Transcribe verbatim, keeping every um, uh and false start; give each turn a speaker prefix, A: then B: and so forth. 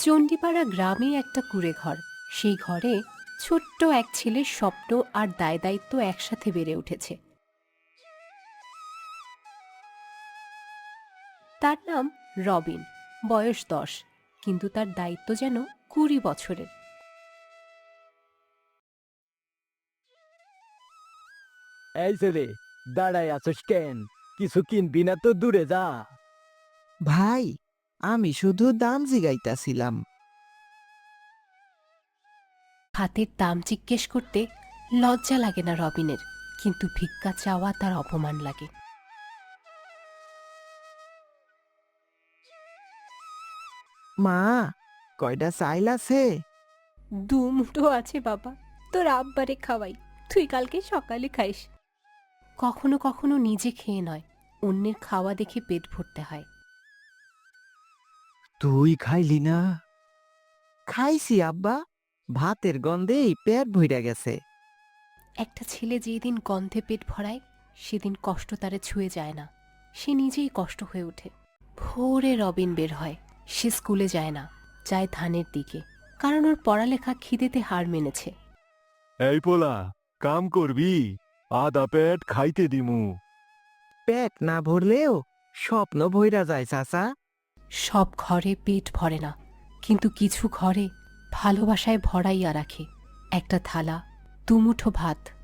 A: চণ্ডীপাড়া গ্রামে একটা কুঁড়ে ঘর। সেই ঘরে ছোট্ট এক ছেলের স্বপ্ন আর দায় দায়িত্ব একসাথে বেড়ে উঠেছে। তার নাম রবিন। বয়স দশ, কিন্তু তার দায়িত্ব যেন কুড়ি বছরের।
B: এই ছেলে, দাঁড়ায় আছিস কেন? কিছু কিনবি না তো দূরে যা।
C: ভাই, আমি শুধু দাম জিগাইতাছিলাম।
A: হাতের দাম জিজ্ঞেস করতে লজ্জা লাগে না রবিনের, কিন্তু ভিক্ষা চাওয়া তার অপমান লাগে।
C: মা, কয়টা চাইল আছে?
A: দু মুঠো আছে বাবা, তোর আব্বারে খাওয়াই, তুই কালকে সকালে খাইস। কখনো কখনো নিজে খেয়ে নয়, অন্যের খাওয়া দেখে পেট ভরতে হয়।
B: তুই খাইলি না?
C: খাইছি আব্বা, ভাতের গন্ধেই পেট ভইরা গেছে।
A: একটা ছেলে যেদিন গন্ধে পেট ভরায়, সেদিন কষ্ট তারে ছুঁয়ে যায় না, সে নিজেই কষ্ট হয়ে ওঠে। ভোরে রবিন বের হয়। সে স্কুলে যায় না, যায় ধানের দিকে, কারণ ওর পড়ালেখা খিদেতে হার মেনেছে।
D: এই পোলা, কাম করবি? আদা পেট খাইতে দিমু।
C: পেট না ভরলেও স্বপ্ন ভইরা যায় চাচা।
A: সব ঘরে পেট ভরে না, কিন্তু কিছু ঘরে ভালোবাসায় ভরাইয়া রাখে। একটা থালা, দুমুঠো ভাত,